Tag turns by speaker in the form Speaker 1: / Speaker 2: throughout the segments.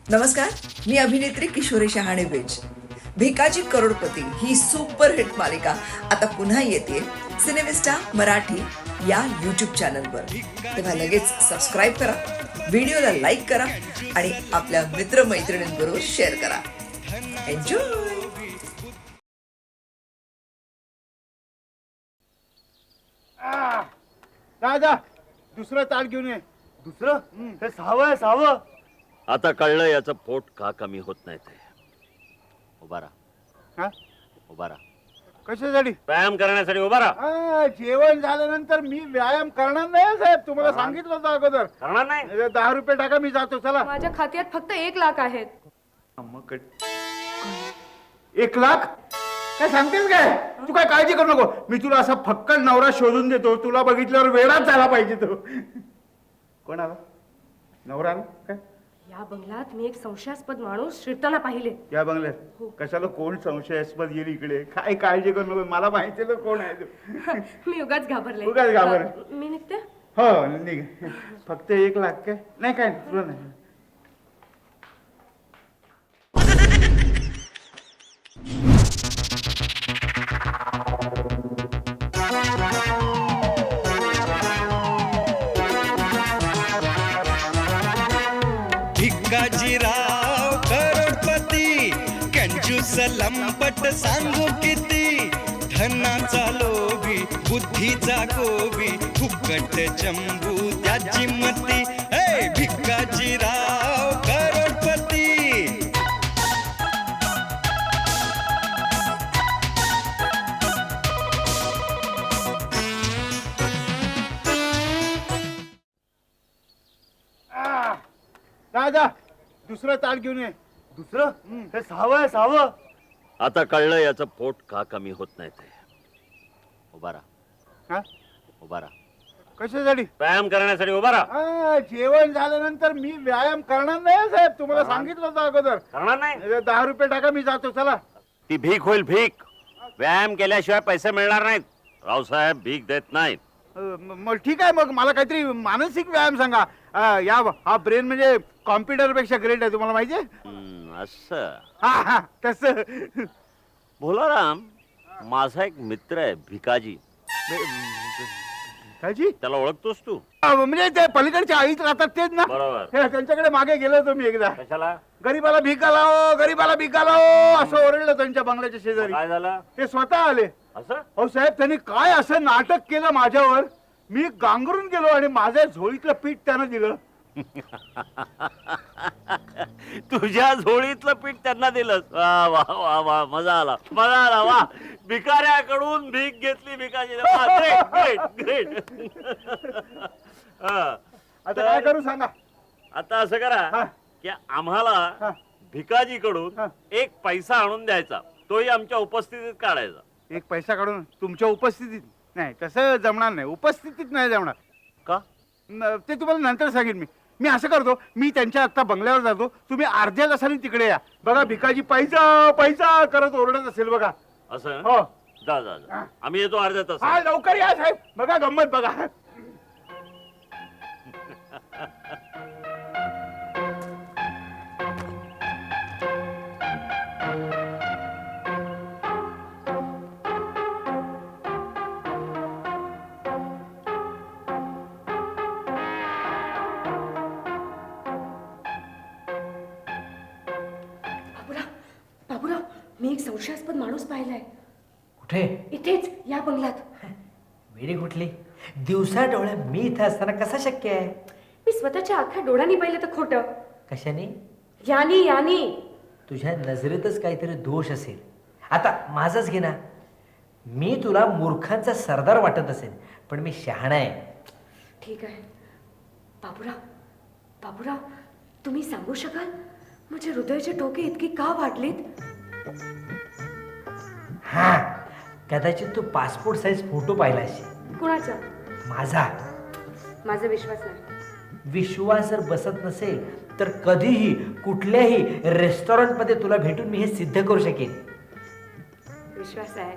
Speaker 1: नमस्कार, मी अभिनेत्री किशोरी शहाणे बेज. भिकाजी करोडपती ही सुपरहिट मालिका आता पुन्हा येते सिनेमिस्टा मराठी या यूट्यूब चॅनलवर. तेव्हा लगेच सबस्क्राईब करा, व्हिडिओला लाईक करा आणि आपल्या मित्रमैत्रिणींबरोबर शेअर करा. एन्जॉय.
Speaker 2: जा दुसरं ताट घेऊन ये.
Speaker 3: दुसरं हे सहावं आहे सहावं.
Speaker 4: आता कळलं याचं पोट का कमी होत नाही ते. उभा राहा,
Speaker 2: हा
Speaker 4: उभा राहा.
Speaker 2: कशासाठी?
Speaker 4: व्यायाम करण्यासाठी उभा राहा.
Speaker 2: जेवण झाल्यानंतर मी व्यायाम करणार नाही साहेब, तुम्हाला सांगितलं होतं अगोदर.
Speaker 4: करणार नाही?
Speaker 2: 10 रुपये टाका, मी जातो. चला.
Speaker 5: माझ्या खात्यात फक्त 1 लाख आहेत.
Speaker 2: 1 लाख काय सांगतेस काय? तू काय काळजी करू नको, मी तुला असा फक्कड नवरा शोधून देतो. तुला बघितल्यावर वेळाच झाला पाहिजे तो. कोण आला? नवरा आला काय?
Speaker 5: या बंगल्यात मी एक संशयास्पद माणूस शिरताना पाहिले.
Speaker 2: या बंगल्यात कशाला? कोण संशयास्पद येईल इकडे? काय काळजी करू नको, मला माहिती आहे कोण आहे तो.
Speaker 5: मी उगाच घाबरले.
Speaker 2: उगाच घाबरले.
Speaker 5: मी निघते.
Speaker 2: हो निघ. फक्त 1 लाख काय? नाही काय तुला नाही.
Speaker 6: भिकाजीराव करोडपती कंजूस लंपट सांगू किती. धनाचा लोभी बुद्धीचा गोबी फुकट चंबू त्याची मती. हे भिकाजीराव करोडपती.
Speaker 2: जा दुसरं ताट घेऊन ये.
Speaker 3: दुसरं हे सहावं आहे सहावं.
Speaker 4: आता कळलं याचं पोट का कमी होत नाही ते. उभा राहा,
Speaker 2: हा
Speaker 4: उभा राहा.
Speaker 2: कशासाठी?
Speaker 4: व्यायाम करण्यासाठी उभा राहा.
Speaker 2: जेवण झाल्यानंतर मी व्यायाम करणार नाही साहेब, तुम्हाला सांगितलं होतं अगोदर.
Speaker 4: करणार नाही?
Speaker 2: 10 रुपये टाका, मी जातो. चला.
Speaker 4: ती भीक होईल भीक. व्यायाम केल्याशिवाय पैसे मिळणार नाहीत. रावसाहेब भीक देत नाहीत.
Speaker 2: मग ठीक आहे, मग मला काहीतरी मानसिक व्यायाम सांगा. हा ब्रेन म्हणजे कॉम्प्युटर पेक्षा ग्रेट आहे, तुम्हाला माहिती आहे.
Speaker 4: असं
Speaker 2: हा तसं.
Speaker 4: भोलाराम, माझा एक मित्र आहे भिकाजी.
Speaker 2: काजी?
Speaker 4: त्याला ओळखतोस तू?
Speaker 2: म्हणजे ते पलीकडच्या आईत राहतात तेच ना?
Speaker 4: बरोबर.
Speaker 2: त्यांच्याकडे मागे गेलो होतो मी एकदा.
Speaker 4: कशाला?
Speaker 2: गरीबाला भीक लावो, गरीबाला भीक लावो असं ओरडलं त्यांच्या बंगल्याच्या शेजारी.
Speaker 4: काय झालं?
Speaker 2: ते स्वतः आले.
Speaker 4: असं?
Speaker 2: हो साहेब, त्यांनी काय असं नाटक केलं माझ्यावर, मी गांगरून गेलो आणि माझ्या झोळीतलं पीठ त्यानं दिलं.
Speaker 4: तुझ्या झोळीतलं पीठ त्यांना दिलंस? वा वा वा वा, मजा आला, मजा आला. वा, भिकाऱ्याकडून भीक घेतली भिकाजी. Great great.
Speaker 2: आता काय करू सांगा?
Speaker 4: आता असं करा
Speaker 2: हा.
Speaker 4: की आम्हाला भिकाजीकडून
Speaker 2: हा.
Speaker 4: 1 पैसा आणून द्यायचा, तोही आमच्या उपस्थितीत काढायचा.
Speaker 2: 1 पैसा काढून तुमच्या उपस्थितीत? नाही, तसं जमणार नाही, उपस्थितीत नाही जमणार.
Speaker 4: का?
Speaker 2: ते तुम्हाला नंतर सांगेन. मी असं करतो, मी त्यांच्या आत्ता बंगल्यावर जातो, तुम्ही अर्ध्या तासाने तिकडे या. बघा भिकाजी पैसा पैसा करत ओरडत असेल बघा.
Speaker 4: असं?
Speaker 2: हो.
Speaker 4: जा जा जा. आम्ही येतो अर्ध्या तास.
Speaker 2: हा लवकर या साहेब, बघा गंमत बघा.
Speaker 5: बाबूराव, मी एक संशयास्पद माणूस पाहिलाय.
Speaker 7: कुठे?
Speaker 5: इथेच या बंगल्यात.
Speaker 7: वेडी कुठली? दिवसा डोळ्या मी इथं असताना कसा शक्य आहे?
Speaker 5: मी स्वतःच्या अख्ख्या डोळ्यांनी पाहिलं तर खोटं.
Speaker 7: कशाने?
Speaker 5: यानी यानी.
Speaker 7: तुझ्या नजरेतच काहीतरी दोष असेल. आता माझंच घे ना, मी तुला मूर्खांचा सरदार वाटत असेल, पण मी शहाणा आहे.
Speaker 5: ठीक आहे. बाबूराव, बाबूराव, तुम्ही सांगू शकाल माझे हृदयाचे ठोके इतकी का वाढलीत?
Speaker 7: हा, कदाचित तू पासपोर्ट साईज फोटो पाहिला असेल
Speaker 5: कुणाचा?
Speaker 7: माझा.
Speaker 5: माझा विश्वास नाही.
Speaker 7: विश्वास जर बसत नसेल तर कधीही कुठल्याही रेस्टॉरंटमध्ये तुला भेटून मी हे सिद्ध करू शकेन.
Speaker 5: विश्वास आहे.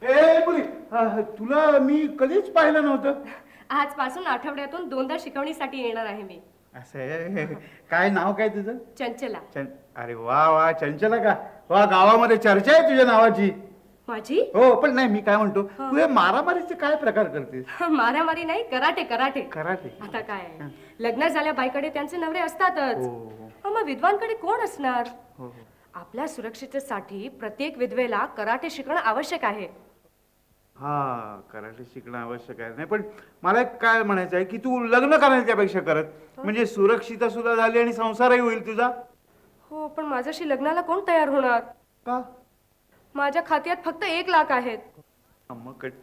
Speaker 2: ए पुरी, तुला मी कधीच पाहिलं नव्हतं.
Speaker 5: आजपासून आठवड्यातून 2दा शिकवणीसाठी येणार आहे मी.
Speaker 2: असं आहे. काय नाव काय तुझं?
Speaker 5: चंचला.
Speaker 2: अरे वा वा, चंचला का? वा, गावामध्ये चर्चा आहे तुझ्या नावाची.
Speaker 5: माझी?
Speaker 2: हो, पण नाही, मी काय म्हणतो, तू हे मारामारीचे काय प्रकार करतेस?
Speaker 5: मारामारी नाही, कराटे कराटे.
Speaker 2: कराटे.
Speaker 5: आता काय आहे, लग्न झाल्या बाईकडे त्यांचे नवरे असतातच.
Speaker 2: हो.
Speaker 5: मग विद्वानकडे कोण असणार?
Speaker 2: हो.
Speaker 5: आपल्या सुरक्षिततेसाठी प्रत्येक विधवेला कराटे शिकणं आवश्यक आहे.
Speaker 2: हा, कराटे शिकणं आवश्यक आहे. नाही, पण मला एक काय म्हणायचं आहे की तू लग्न करायच्या पेक्षा करत, म्हणजे सुरक्षिता सुद्धा झाली आणि संसारही होईल तुझा.
Speaker 5: हो, पण माझ्याशी लग्नाला कोण तयार होणार?
Speaker 2: का?
Speaker 5: माझ्या खात्यात फक्त 1 लाख आहेत.
Speaker 2: मग काय?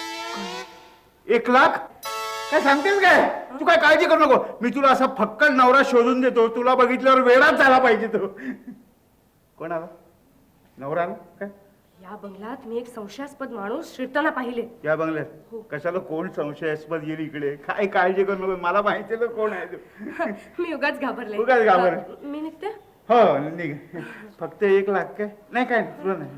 Speaker 2: 1 लाख? काय सांगतेस काय? तू काय काळजी करू नको, मी तुला असा फक्कड नवरा शोधून देतो. तुला बघितल्यावर वेळाच झाला पाहिजे तो. कोण आला? नवरा आला काय?
Speaker 5: या बंगल्यात मी एक संशयास्पद माणूस शिरताना पाहिले.
Speaker 2: या बंगल्यात? कशाला? कोण संशयास्पद येईल इकडे? काय काळजी करू नको, मला माहिती आहे कोण आहे तू.
Speaker 5: मी उगाच घाबरले.
Speaker 2: उगाच घाबर.
Speaker 5: मी निघते.
Speaker 2: हो, निघ. फक्त 1 लाख काय? नाही, काय तुला नाही.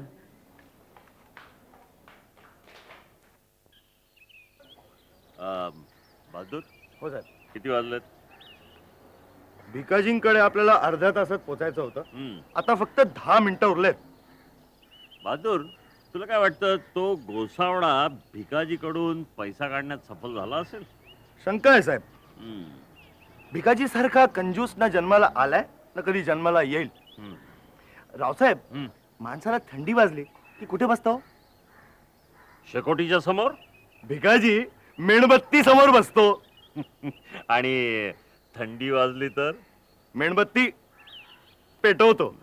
Speaker 4: बहादूर,
Speaker 3: हो साहेब.
Speaker 4: किती वाजलेत?
Speaker 3: भिकाजींकडे आपल्याला अर्ध्या तासात पोचायचं होतं.
Speaker 4: हम्म.
Speaker 3: आता फक्त 10 मिनिटं उरलेत.
Speaker 4: बहादूर, तुला काय वाटतं, तो गोसावळा भिकाजीकडून पैसा काढण्यात सफल झाला असेल?
Speaker 3: शंका आहे साहेब.
Speaker 4: हम्म.
Speaker 3: भिकाजी सारखा कंजूस ना जन्माला आलाय ना कधी जन्माला येईल.
Speaker 4: हम्म.
Speaker 3: रावसाहेब,
Speaker 4: हम्म.
Speaker 3: माणसाला थंडी वाजली की कुठे बसतो?
Speaker 4: शेकोटीच्या समोर.
Speaker 3: भिकाजी मेणबत्ती समोर बसतो.
Speaker 4: आणि थंडी वाजली तर
Speaker 3: मेणबत्ती पेटवतो.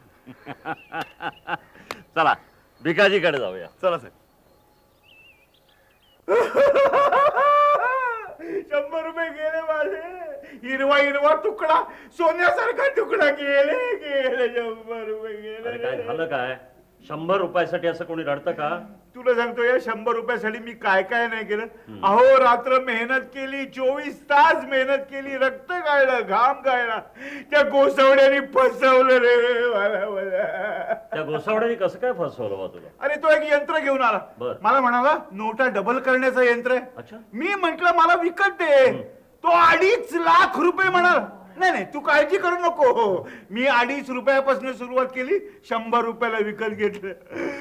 Speaker 4: चला भिकाजीकडे जाऊया.
Speaker 3: चला साहेब.
Speaker 2: 100 रुपये गेले माझे. हिरवा हिरवा तुकडा, सोन्यासारखा तुकडा गेले गेले. 100 रुपये
Speaker 4: अरे काय
Speaker 2: गेले.
Speaker 4: झालं काय? 100 रुपयासाठी असं कोणी रडतं का?
Speaker 2: तुला सांगतो, या 100 रुपयासाठी मी काय काय नाही केलं. अहो रात्र मेहनत केली, 24 तास मेहनत केली, रक्त गाळलं, घाम गाळला. त्या गोसवड्याने फसवलं रे मला.
Speaker 4: त्या गोसावड्याने कसं काय फसवलं बा तुला?
Speaker 2: अरे तो एक यंत्र घेऊन आला.
Speaker 4: बर.
Speaker 2: मला म्हणाला नोटा डबल करण्याचं यंत्र आहे.
Speaker 4: अच्छा.
Speaker 2: मी म्हंटल मला विकत दे. तो 2.5 लाख रुपये म्हणाल. नाही नाही, तू काळजी करू नको, मी 2.5 रुपयापासून सुरुवात केली, 100 रुपयाला विकत घेतलं.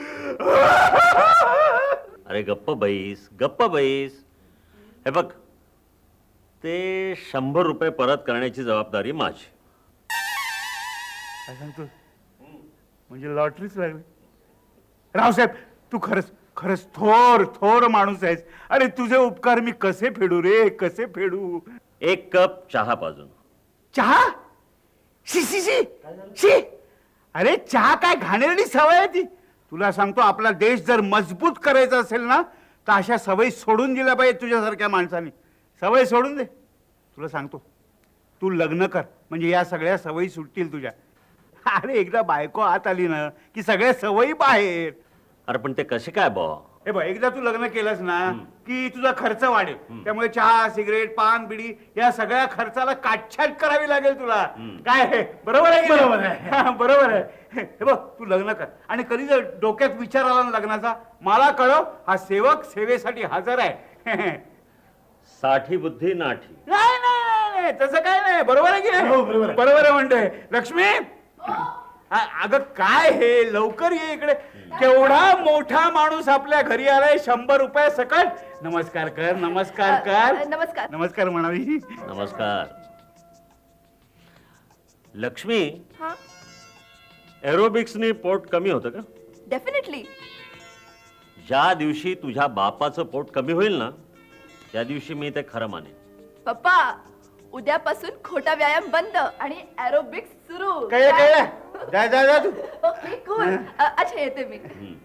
Speaker 4: अरे गप्प बैस, गप्प बैस. हे बघ, ते 100 रुपये परत करण्याची जबाबदारी माझी.
Speaker 2: काय सांगतो? म्हणजे लॉटरीच लागली. रावसाहेब, तू खरंच खरंच थोर थोर माणूस आहेस. अरे तुझे उपकार मी कसे फेडू रे, कसे फेडू.
Speaker 4: 1 कप चहा पाजून.
Speaker 2: चहा? शी शी शी शी. अरे चहा काय घाणेरडी सवय आहे ती. तुला सांगतो, आपला देश जर मजबूत करायचा असेल ना, तर अशा सवयी सोडून दिल्या पाहिजे तुझ्यासारख्या माणसाने. सवय सोडून दे. तुला सांगतो, तू लग्न कर, म्हणजे या सगळ्या सवयी सुटतील तुझ्या. अरे एकदा बायको आत आली ना की सगळ्या सवयी बाहेर.
Speaker 4: अरे पण ते कसे काय बा?
Speaker 2: हे बघ, एकदा तू लग्न केलंस ना की तुझा खर्च वाढेल. त्यामुळे चहा, सिगरेट, पान, बिडी या सगळ्या खर्चाला काटछाट करावी लागेल तुला. काय बरोबर आहे? बरोबर आहे. बरोबर आहे. हे बघ, तू लग्न कर, आणि कधी जर डोक्यात विचार आला ना लग्नाचा, मला कळव. हा सेवक सेवेसाठी हजर आहे.
Speaker 4: साठी बुद्धी नाठी.
Speaker 2: नाही नाही नाही नाही, तसं काय नाही. बरोबर आहे की नाही? बरोबर आहे म्हणतोय. लक्ष्मी, अगं काय हे, लवकर ये इकडे. केवढा मोठा माणूस आपल्या घरी आलाय. 100 रुपये सकट. नमस्कार कर, नमस्कार कर.
Speaker 1: नमस्कार.
Speaker 2: नमस्कार म्हणावी.
Speaker 4: नमस्कार. लक्ष्मी,
Speaker 1: हा,
Speaker 4: एरोबिक्सनी पोट कमी होतं का?
Speaker 1: डेफिनेटली.
Speaker 4: ज्या दिवशी तुझ्या बापाचं पोट कमी होईल ना, त्या दिवशी मी ते खरं मानेन.
Speaker 1: पप्पा, उद्यापासून खोटा व्यायाम बंद आणि एरोबिक्स सुरू.
Speaker 2: कळलं कळलं. जा जा जा तू.
Speaker 1: Okay, cool. अच्छा, येते मी.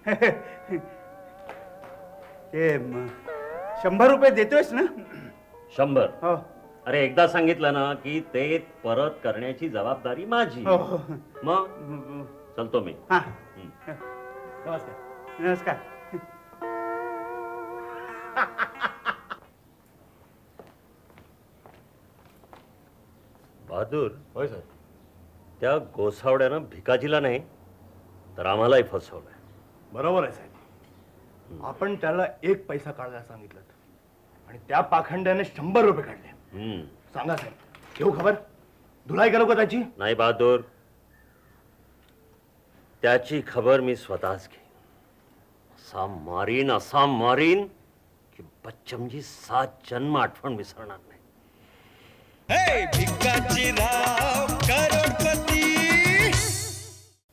Speaker 2: ते 100 रुपये देतोयस ना?
Speaker 4: 100.
Speaker 2: हो
Speaker 4: अरे एकदा सांगितलं ना की ते परत करण्याची जबाबदारी माझी.
Speaker 2: हो हो.
Speaker 4: मग चलतो मी.
Speaker 2: हा,
Speaker 4: हम्म.
Speaker 2: नमस्कार. नमस्कार.
Speaker 4: बहादूर,
Speaker 3: होय सर.
Speaker 4: त्या गोसावड्यानं भिकाजीला नाही तर आम्हालाही फसवलंय.
Speaker 3: बरोबर आहे साहेब. आपण त्याला 1 पैसा काढायला सांगितलं आणि त्या पाखंड्याने 100 रुपये काढले. सांगा साहेब, घेऊ खबर? धुलाई करू का त्याची?
Speaker 4: नाही बहादूर, त्याची खबर मी स्वतःच घेईन. असा मारीन की बच्चमजी 7 जन्म आठवण विसरणार नाही.
Speaker 6: हे भिकाजी राव करोडपती